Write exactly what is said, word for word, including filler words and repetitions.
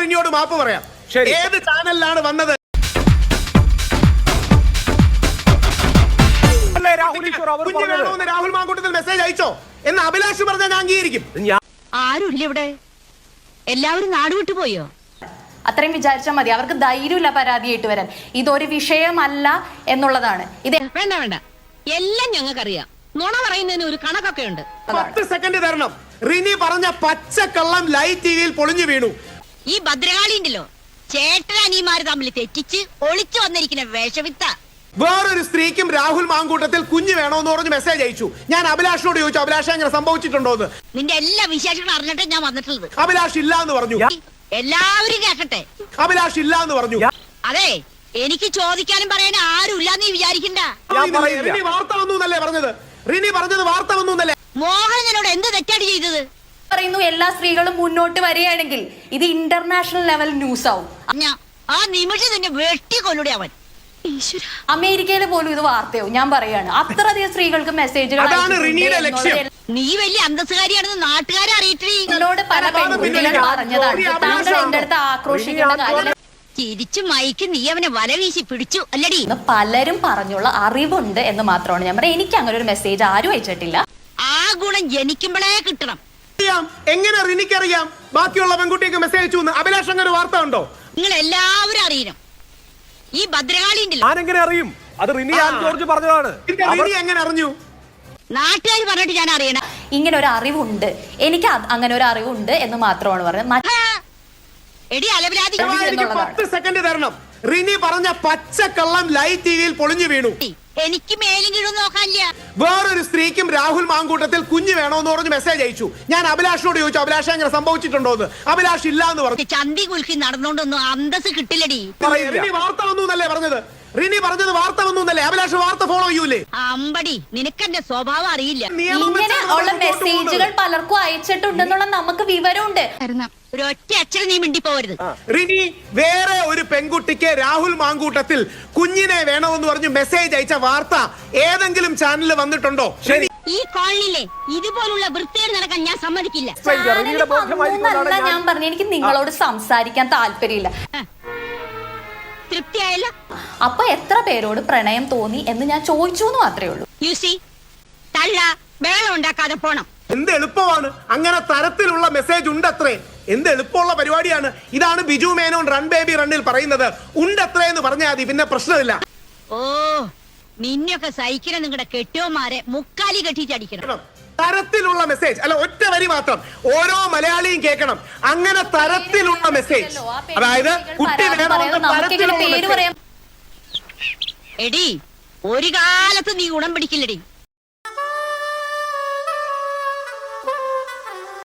റിനിയോട് മാപ്പ് പറയാം. ഏത് ചാനലിലാണ് വന്നത്? രാഹുൽ മാങ്കൂട്ടത്തിൽ മെസ്സേജ് അയച്ചോ എന്ന് അഭിലാഷ് പറഞ്ഞാൽ ഞാൻ അംഗീകരിക്കും. ആരുമില്ല ഇവിടെ, എല്ലാവരും നാട് വിട്ടുപോയോ? അത്രയും വിചാരിച്ചാൽ മതി. അവർക്ക് ധൈര്യമില്ല പരാതിയായിട്ട് വരാൻ. ഇതൊരു വിഷയമല്ല എന്നുള്ളതാണ്. ഇത് വേണ്ട വേണ്ട, എല്ലാം ഞങ്ങൾക്കറിയാം. നുണ പറയുന്നതിന് ഒരു കണക്കൊക്കെ ഉണ്ട്. പത്ത് സെക്കൻഡ് തരണം. റിനി പറഞ്ഞ പച്ചക്കള്ളം ലൈവ് ടിവിയിൽ പൊളിഞ്ഞു വീണു. ഈ ഭദ്രകാളിണ്ടല്ലോ, ചേട്ടനനിയന്മാര് തമ്മിൽ തെറ്റിച്ച് ഒളിച്ചു വന്നിരിക്കുന്ന വേഷവിത്ത. വേറൊരു സ്ത്രീക്കും രാഹുൽ മാങ്കൂട്ടത്തിൽ കുഞ്ഞ് വേണോന്ന് പറഞ്ഞ് മെസ്സേജ് അയച്ചു. ഞാൻ അഭിലാഷിനോട് ചോദിച്ചു, അഭിലാഷ് അങ്ങനെ സംഭവിച്ചിട്ടുണ്ടോ എന്ന്. നിന്റെ എല്ലാ വിശേഷങ്ങളും അറിഞ്ഞിട്ട് ഞാൻ വന്നിട്ടുള്ളത്. അഭിലാഷ് ഇല്ല എന്ന് പറഞ്ഞു. എല്ലാവരും കേക്കട്ടെ. അഭിലാഷ് ഇല്ല എന്ന് പറഞ്ഞു. അതെ, എനിക്ക് ചോദിക്കാനും പറയാനും ആരും ഇല്ലാന്ന് നീ വിചാരിക്കണ്ട. റിനി വാർത്ത വന്നു എന്നല്ലേ പറഞ്ഞത്? റിനി പറഞ്ഞത് വാർത്ത വന്നു എന്നല്ലേ? മോഹൻ എന്നോട് എന്ത് തെറ്റാണ് ചെയ്തത്? പറയുന്നു എല്ലാ സ്ത്രീകളും മുന്നോട്ട് വരികയാണെങ്കിൽ ഇത് ഇന്റർനാഷണൽ ലെവൽ ന്യൂസ് ആവും. ആ നിമിഷം നിന്നെ വെട്ടി കൊല്ലുടെ അവൻ. അമേരിക്കയിൽ പോലും ഇത് വാർത്തയാവും. ഞാൻ പറയാണ്, അത്രയധികം സ്ത്രീകൾക്ക് മെസ്സേജുകൾ. നീ വലിയ അന്തസ്സുകാരിയാണെന്ന് നാട്ടുകാരെ അറിയിട്ടേ. എന്നോട് പല പെൺകുട്ടികൾ പറഞ്ഞതാണ്. താങ്കൾ എന്റെ അടുത്ത് ആക്രോശിക്കേണ്ട കാര്യം. ചിരിച്ചു മയക്ക് നീ അവനെ വല വീശി പിടിച്ചു അല്ലടി. പലരും പറഞ്ഞുള്ള അറിവുണ്ട് എന്ന് മാത്രമാണ് ഞാൻ പറയാം. എനിക്ക് അങ്ങനെ ഒരു മെസ്സേജ് ആരും അയച്ചിട്ടില്ല. ആ ഗുണം ജനിക്കുമ്പോഴേ കിട്ടണം. എങ്ങനെ റിനിക്കറിയാം ബാക്കിയുള്ള പെൺകുട്ടിക്ക് മെസ്സേജ് അയച്ചു? അഭിലാഷ് അങ്ങനെ വാർത്ത ഉണ്ടോ? നിങ്ങൾ എല്ലാവരും അറിയണം. ഈ ഭദ്രകാളി ഞാനെങ്ങനെ അറിയും? അത് റിനി ആൻ ജോർജ് പറഞ്ഞതാണ്. എങ്ങനെ അറിഞ്ഞു? നാട്ടുകാർ പറഞ്ഞിട്ട് ഞാൻ അറിയണം. ഇങ്ങനെ ഒരു അറിവുണ്ട്, എനിക്ക് അങ്ങനെ ഒരു അറിവുണ്ട് എന്ന് മാത്രമാണ് പറഞ്ഞത്. എടി അലവിലാതി, പത്ത് സെക്കൻഡ് തരണം. റിനി പറഞ്ഞ പച്ചക്കള്ളം ലൈവ് ടിവിയിൽ പൊളിഞ്ഞു വീണു. എനിക്ക് മേലും കീഴും നോക്കാനില്ല. വേറൊരു സ്ത്രീക്കും രാഹുൽ മാങ്കൂട്ടത്തിൽ കുഞ്ഞ് വേണോന്ന് പറഞ്ഞ് മെസ്സേജ് അയച്ചു. ഞാൻ അഭിലാഷിനോട് ചോദിച്ചു, അഭിലാഷ് അങ്ങനെ സംഭവിച്ചിട്ടുണ്ടോ എന്ന്. അഭിലാഷ് ഇല്ല എന്ന് പറഞ്ഞു. ചന്തി കുലുക്കി നടന്നുകൊണ്ടൊന്നും അന്തസ് കിട്ടില്ലടി. റിനി വാർത്ത വന്നു എന്നല്ലേ പറഞ്ഞത്? റിനി പറഞ്ഞത് വാർത്ത വന്നു എന്നല്ലേ? അഭിലാഷ് വാർത്ത ഫോളോ ചെയ്യൂലേ? അമ്പടി, നിനക്കെന്റെ സ്വഭാവം അറിയില്ല. ഇങ്ങനെ ഉള്ള മെസ്സേജുകൾ പലർക്കും അയച്ചിട്ടുണ്ടെന്നുള്ള നമുക്ക് വിവരമുണ്ട്. ഒരൊറ്റ അച്ഛനും നീ മിണ്ടി പോവരുത്. റിനി വേറെ ഒരു പെൺകുട്ടിക്ക് രാഹുൽ മാങ്കൂട്ടത്തിൽ കുഞ്ഞിനെ വേണമെന്ന് പറഞ്ഞ് മെസ്സേജ് അയച്ച വാർത്ത ഏതെങ്കിലും ചാനലിൽ വന്നിട്ടുണ്ടോ? ഈ കോളനിയിലെ ഇതുപോലുള്ള വൃത്തികേട് നടക്കാൻ ഞാൻ സമ്മതിക്കില്ല. ഞാൻ പറഞ്ഞു, എനിക്ക് നിങ്ങളോട് സംസാരിക്കാൻ താല്പര്യമില്ല. തൃപ്തിയായല്ലോ? അപ്പൊ എത്ര പേരോട് പ്രണയം തോന്നി എന്ന് ഞാൻ ചോദിച്ചു എന്ന് മാത്രമേ ഉള്ളൂ. യു സി, തള്ള ബഹളം ഉണ്ടാക്കാതെ പോണം. എന്ത് എളുപ്പമാണ്, അങ്ങനെ തരത്തിലുള്ള മെസ്സേജ് ഉണ്ടത്രേ. എന്ത് എളുപ്പമുള്ള പരിപാടിയാണ്. ഇതാണ് ബിജു മേനോൻ റൺ ബേബി റണ്ണിൽ പറയുന്നത്. ഉണ്ടത്രേ എന്ന് പറഞ്ഞാൽ മതി, പിന്നെ പ്രശ്നമില്ല. ഓ, നിന്നെയൊക്കെ സഹിക്കണം നിങ്ങളുടെ കെട്ടിയോമാരെ മുക്കാലി കെട്ടിച്ചടിക്കണം. തരത്തിലുള്ള മെസ്സേജ് അല്ല, ഒറ്റ വരി മാത്രം ഓരോ മലയാളിയും കേൾക്കണം. അങ്ങനെ തരത്തിലുള്ള മെസ്സേജ്, അതായത് കുട്ടി എടി ഒരു കാലത്ത് നീ ഗുണം പിടിക്കില്ലടി.